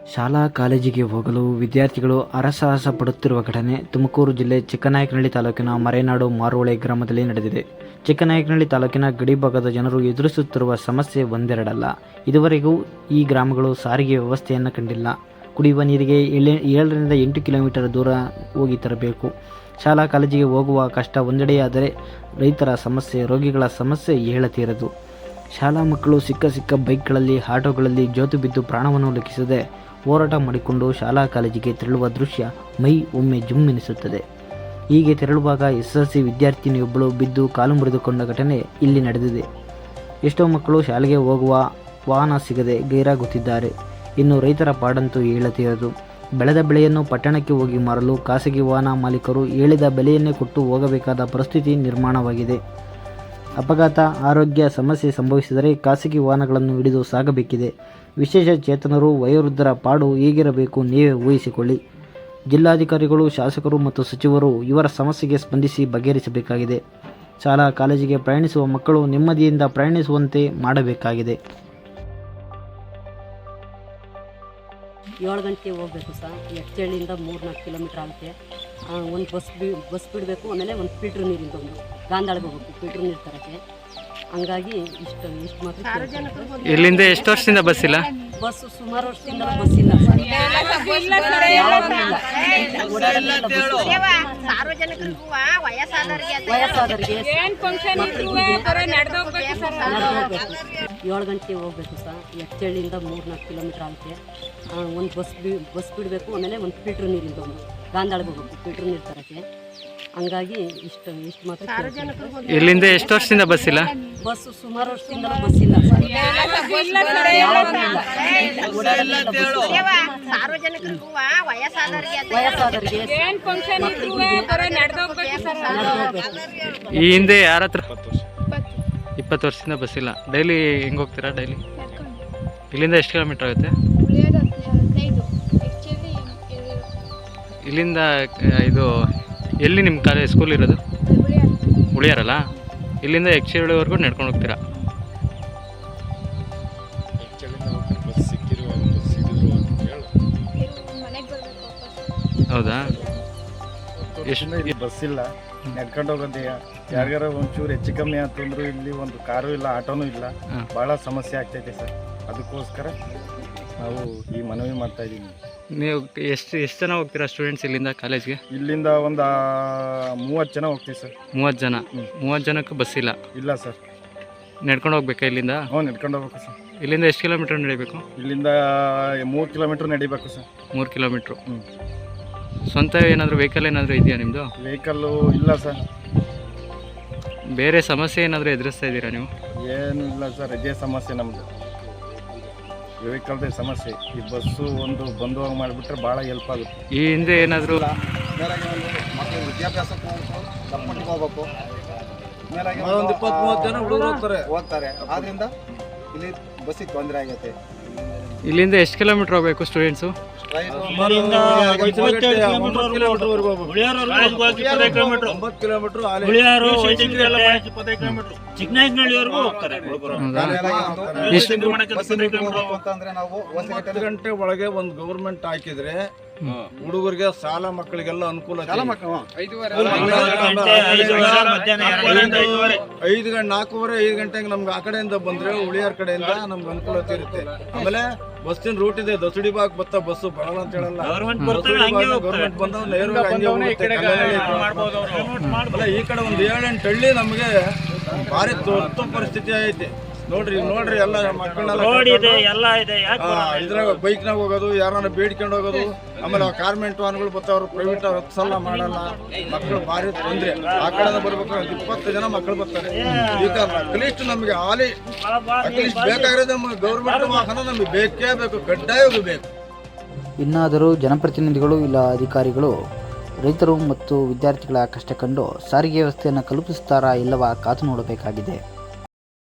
ಶಾಲಾ ಕಾಲೇಜಿಗೆ ಹೋಗಲು ವಿದ್ಯಾರ್ಥಿಗಳು ಹರಸಾಹಸ ಪಡುತ್ತಿರುವ ಘಟನೆ ತುಮಕೂರು ಜಿಲ್ಲೆ ಚಿಕ್ಕನಾಯಕನಹಳ್ಳಿ ತಾಲೂಕಿನ ಮರೆನಾಡು ಮಾರುವಳೆ ಗ್ರಾಮದಲ್ಲಿ ನಡೆದಿದೆ. ಚಿಕ್ಕನಾಯಕನಹಳ್ಳಿ ತಾಲೂಕಿನ ಗಡಿಭಾಗದ ಜನರು ಎದುರಿಸುತ್ತಿರುವ ಸಮಸ್ಯೆ ಒಂದೆರಡಲ್ಲ. ಇದುವರೆಗೂ ಈ ಗ್ರಾಮಗಳು ಸಾರಿಗೆ ವ್ಯವಸ್ಥೆಯನ್ನು ಕಂಡಿಲ್ಲ. ಕುಡಿಯುವ ನೀರಿಗೆ 7ರಿಂದ 8 ಕಿಲೋಮೀಟರ್ ದೂರ ಹೋಗಿ ತರಬೇಕು. ಶಾಲಾ ಕಾಲೇಜಿಗೆ ಹೋಗುವ ಕಷ್ಟ ಒಂದೆಡೆಯಾದರೆ ರೈತರ ಸಮಸ್ಯೆ, ರೋಗಿಗಳ ಸಮಸ್ಯೆ ಹೇಳತೀರದು. ಶಾಲಾ ಮಕ್ಕಳು ಸಿಕ್ಕ ಬೈಕ್ಗಳಲ್ಲಿ, ಆಟೋಗಳಲ್ಲಿ ಜೋತು ಬಿದ್ದು ಪ್ರಾಣವನ್ನು ಲೆಕ್ಕಿಸದೆ ಹೋರಾಟ ಮಾಡಿಕೊಂಡು ಶಾಲಾ ಕಾಲೇಜಿಗೆ ತೆರಳುವ ದೃಶ್ಯ ಮೈ ಒಮ್ಮೆ ಜುಮ್ಮೆನಿಸುತ್ತದೆ. ಹೀಗೆ ತೆರಳುವಾಗ SSLC ವಿದ್ಯಾರ್ಥಿನಿಯೊಬ್ಬಳು ಬಿದ್ದು ಕಾಲು ಮುರಿದುಕೊಂಡ ಘಟನೆ ಇಲ್ಲಿ ನಡೆದಿದೆ. ಎಷ್ಟೋ ಮಕ್ಕಳು ಶಾಲೆಗೆ ಹೋಗುವ ವಾಹನ ಸಿಗದೆ ಗೈರಾಗುತ್ತಿದ್ದಾರೆ. ಇನ್ನು ರೈತರ ಪಾಡಂತೂ ಹೇಳತೀರದು. ಬೆಳೆದ ಬೆಳೆಯನ್ನು ಪಟ್ಟಣಕ್ಕೆ ಹೋಗಿ ಮಾರಲು ಖಾಸಗಿ ವಾಹನ ಮಾಲೀಕರು ಹೇಳಿದ ಬೆಲೆಯನ್ನೇ ಕೊಟ್ಟು ಹೋಗಬೇಕಾದ ಪರಿಸ್ಥಿತಿ ನಿರ್ಮಾಣವಾಗಿದೆ. ಅಪಘಾತ, ಆರೋಗ್ಯ ಸಮಸ್ಯೆ ಸಂಭವಿಸಿದರೆ ಖಾಸಗಿ ವಾಹನಗಳನ್ನು ಹಿಡಿದು ಸಾಗಬೇಕಿದೆ. ವಿಶೇಷ ಚೇತನರು, ವಯೋವೃದ್ಧರ ಪಾಡು ಹೇಗಿರಬೇಕು ನೀವೇ ಊಹಿಸಿಕೊಳ್ಳಿ. ಜಿಲ್ಲಾಧಿಕಾರಿಗಳು, ಶಾಸಕರು ಮತ್ತು ಸಚಿವರು ಇವರ ಸಮಸ್ಯೆಗೆ ಸ್ಪಂದಿಸಿ ಬಗೆಹರಿಸಬೇಕಾಗಿದೆ. ಶಾಲಾ ಕಾಲೇಜಿಗೆ ಪ್ರಯಾಣಿಸುವ ಮಕ್ಕಳು ನೆಮ್ಮದಿಯಿಂದ ಪ್ರಯಾಣಿಸುವಂತೆ ಮಾಡಬೇಕಾಗಿದೆ. 7 ಗಂಟೆಗೆ ಹೋಗಬೇಕು ಸರ್. ಎಚ್ಚಳ್ಳಿಯಿಂದ 3-4 ಕಿಲೋಮೀಟ್ರ್ ಆಗುತ್ತೆ. ಒಂದು ಬಸ್ ಬಿಡಬೇಕು. ಆಮೇಲೆ ಒಂದು ಫಿಲ್ಟ್ರ್ ನೀರಿಂದ ಒಂದು ಗಾಂಧಾಳಿಗೆ ಹೋಗ್ಬೇಕು ಫಿಲ್ಟ್ರ್ ನೀರು ತರೋಕ್ಕೆ. ಹಂಗಾಗಿ ಇಷ್ಟು ಮಾತ್ರ. ಇಲ್ಲಿಂದ ಎಷ್ಟು ವರ್ಷದಿಂದ ಬಸ್ ಇಲ್ಲ? ಬಸ್ ಸುಮಾರು ವರ್ಷದಿಂದ ಬಸ್ ಇಲ್ಲ ಸರ್. ವಯಸ್ಸಾದವರಿಗೆ 7 ಗಂಟೆಗೆ ಹೋಗ್ಬೇಕು ಸರ್. ಎಚ್ಚಳ್ಳಿಯಿಂದ 3-4 ಕಿಲೋಮೀಟ್ರ್ ಆಗುತ್ತೆ. ಒಂದು ಬಸ್ ಬಿಡಬೇಕು. ಆಮೇಲೆ ಒಂದು ಫಿಲ್ಟ್ರ್ ನೀರಿಂದ ಒಂದು ಗಾಂಧಾಳಿಗೆ ಹೋಗ್ಬೇಕು ಫಿಲ್ಟ್ರ್ ನೀರು ತರೋಕ್ಕೆ. ಹಂಗಾಗಿ ಇಷ್ಟು ಮಾತ್ರ. ಇಲ್ಲಿಂದ ಎಷ್ಟು ವರ್ಷದಿಂದ ಬಸ್ ಇಲ್ಲ? ಬಸ್ ಸುಮಾರು ವರ್ಷದಿಂದ ಬಸ್ ಇಲ್ಲ ಸರ್. ವಯಸ್ಸಾದವರಿಗೆ ಈ ಹಿಂದೆ ಯಾರ ಹತ್ರ 20 ವರ್ಷದಿಂದ ಬಸ್ ಇಲ್ಲ. ಡೈಲಿ ಹೆಂಗೆ ಹೋಗ್ತೀರಾ? ಡೈಲಿ ಇಲ್ಲಿಂದ ಎಷ್ಟು ಕಿಲೋಮೀಟರ್ ಆಗುತ್ತೆ? ಇಲ್ಲಿಂದ ಇದು ಎಲ್ಲಿ ನಿಮ್ಮ ಕಾಲೇಜ್ ಸ್ಕೂಲ್ ಇರೋದು? ಉಳಿಯಾರಲ್ಲ. ಇಲ್ಲಿಂದ ಎಕ್ಚೇಳಿವರೆಗೂ ನಡ್ಕೊಂಡು ಹೋಗ್ತೀರಾ? ಹೌದಾ? ಎಷ್ಟು ಬಸ್ ಇಲ್ಲ, ನಡ್ಕೊಂಡು ಹೋಗೋದೆಯಾ? ಯಾರಿಗಾರ ಒಂಚೂರು ಹೆಚ್ಚು ಕಮ್ಮಿ ಅಂತಂದ್ರು ಇಲ್ಲಿ ಒಂದು ಕಾರು ಇಲ್ಲ, ಆಟೋನೂ ಇಲ್ಲ. ಭಾಳ ಸಮಸ್ಯೆ ಆಗ್ತೈತೆ ಸರ್. ಅದಕ್ಕೋಸ್ಕರ ನಾವು ಈ ಮನವಿ ಮಾಡ್ತಾ ಇದ್ದೀವಿ. ನೀವು ಎಷ್ಟು ಜನ ಹೋಗ್ತೀರಾ ಸ್ಟೂಡೆಂಟ್ಸ್ ಇಲ್ಲಿಂದ ಕಾಲೇಜ್ಗೆ? ಇಲ್ಲಿಂದ ಒಂದು 30 ಜನ ಹೋಗ್ತೀವಿ ಸರ್. 30 ಜನ. 30 ಜನಕ್ಕೆ ಬಸ್ ಇಲ್ಲ? ಇಲ್ಲ ಸರ್. ನಡ್ಕೊಂಡು ಹೋಗ್ಬೇಕಾ ಇಲ್ಲಿಂದ? ಹ್ಞೂ, ನಡ್ಕೊಂಡು ಹೋಗ್ಬೇಕು ಸರ್. ಇಲ್ಲಿಂದ ಎಷ್ಟು ಕಿಲೋಮೀಟ್ರ್ ನಡಿಬೇಕು? ಇಲ್ಲಿಂದ 3 ಕಿಲೋಮೀಟ್ರ್ ನಡಿಬೇಕು ಸರ್. 3 ಕಿಲೋಮೀಟ್ರು. ಹ್ಞೂ. ಸ್ವಂತ ಏನಾದರೂ ವೆಹಿಕಲ್ ಏನಾದರೂ ಇದೆಯಾ ನಿಮ್ಮದು? ವೆಹಿಕಲ್ಲು ಇಲ್ಲ ಸರ್. ಬೇರೆ ಸಮಸ್ಯೆ ಏನಾದರೂ ಎದುರಿಸ್ತಾ ಇದ್ದೀರಾ ನೀವು? ಏನೂ ಇಲ್ಲ ಸರ್, ಇದೇ ಸಮಸ್ಯೆ ನಮ್ಮದು, ವೆಹಿಕಲ್ದೇ ಸಮಸ್ಯೆ. ಈ ಬಸ್ಸು ಒಂದು ಬಂದು ಹೋಗಿ ಮಾಡಿಬಿಟ್ರೆ ಭಾಳ ಹೆಲ್ಪ್ ಆಗುತ್ತೆ. ಈ ಹಿಂದೆ ಏನಾದರೂ ಮಕ್ಕಳು ವಿದ್ಯಾಭ್ಯಾಸಕ್ಕೆ ಹೋಗ್ಬೇಕು, ಮೇಲಾಗಿ ಒಂದು 20-30 ಜನ ಹುಡುಗರು ಓದ್ತಾರೆ. ಆದ್ದರಿಂದ ಇಲ್ಲಿ ಬಸ್ಸಿಗೆ ತೊಂದರೆ ಆಗೈತೆ. ಇಲ್ಲಿಂದ ಎಷ್ಟು ಕಿಲೋಮೀಟ್ರ್ ಹೋಗಬೇಕು ಸ್ಟೂಡೆಂಟ್ಸು? ಚಿಕ್ಕನಾಯಕನಹಳ್ಳಿವರೆಗೂ ಹೋಗ್ತಾರೆ. ಅಂತಂದ್ರೆ ನಾವು 10 ಗಂಟೆ ಒಳಗೆ ಒಂದು ಗೌರ್ಮೆಂಟ್ ಹಾಕಿದ್ರೆ ಹುಡುಗರಿಗೆ ಸಾಲ ಮಕ್ಕಳಿಗೆಲ್ಲ ಅನುಕೂಲ. 4:45 ಗಂಟೆಗೆ ನಮ್ಗೆ ಆ ಕಡೆಯಿಂದ ಬಂದ್ರೆ ಉಳಿಯಾರ ಕಡೆಯಿಂದ ನಮ್ಗೆ ಅನುಕೂಲತೆ ಇರುತ್ತೆ. ಆಮೇಲೆ ಬಸ್ಸಿನ ರೂಟ್ ಇದೆ, ದಸಡಿ ಬಾಗ್ ಬತ್ತ ಬಸ್ಸು ಬರಲ್ಲ ಅಂತ ಹೇಳಲ್ಲ. ಗೌರ್ಮೆಂಟ್ ಬಂದವ್ ನೇರವಾಗಿ ಹಂಗೆ ಹೋಗುತ್ತೆ. ಈ ಕಡೆ ಒಂದು 7-8 ಹಳ್ಳಿ ನಮಗೆ ಭಾರಿ ತುರ್ತು ಪರಿಸ್ಥಿತಿ ಐತಿ. ನೋಡ್ರಿ ಎಲ್ಲ ಮಕ್ಕಳನ್ನೆಲ್ಲ ಇದ್ರಾಗ ಬೈಕ್ನಾಗ ಹೋಗೋದು, ಯಾರನ್ನ ಬೇಡ್ಕೊಂಡು ಹೋಗೋದು. ಆಮೇಲೆ ಕಾರ್ಮೆಂಟ್ ವಾಹನಗಳು ಬರ್ತಾವ್ರು, ಪ್ರೈವೇಟ್ ಹತ್ಸಲ್ಲ ಮಾಡಲ್ಲ. ಮಕ್ಕಳು ಭಾರಿ ತೊಂದರೆ. ಆ ಕಡೆ ಬರ್ಬೇಕು 20 ಜನ ಮಕ್ಕಳು ಬರ್ತಾರೆ. ಈ ಕಾರಣ ಅಟ್ಲೀಸ್ಟ್ ನಮಗೆ ಅಟ್ಲೀಸ್ಟ್ ಬೇಕಾಗಿರೋದು ಗೌರ್ಮೆಂಟ್ ವಾಹನ ನಮಗೆ ಬೇಕೇ ಬೇಕು, ಕಡ್ಡಾಯವಾಗಿ ಬೇಕು. ಇನ್ನಾದರೂ ಜನಪ್ರತಿನಿಧಿಗಳು ಇಲ್ಲ ಅಧಿಕಾರಿಗಳು ರೈತರು ಮತ್ತು ವಿದ್ಯಾರ್ಥಿಗಳ ಕಷ್ಟ ಕಂಡು ಸಾರಿಗೆ ವ್ಯವಸ್ಥೆಯನ್ನು ಕಲ್ಪಿಸುತ್ತಾರಾ ಇಲ್ಲವಾ ಕಾದು ನೋಡಬೇಕಾಗಿದೆ.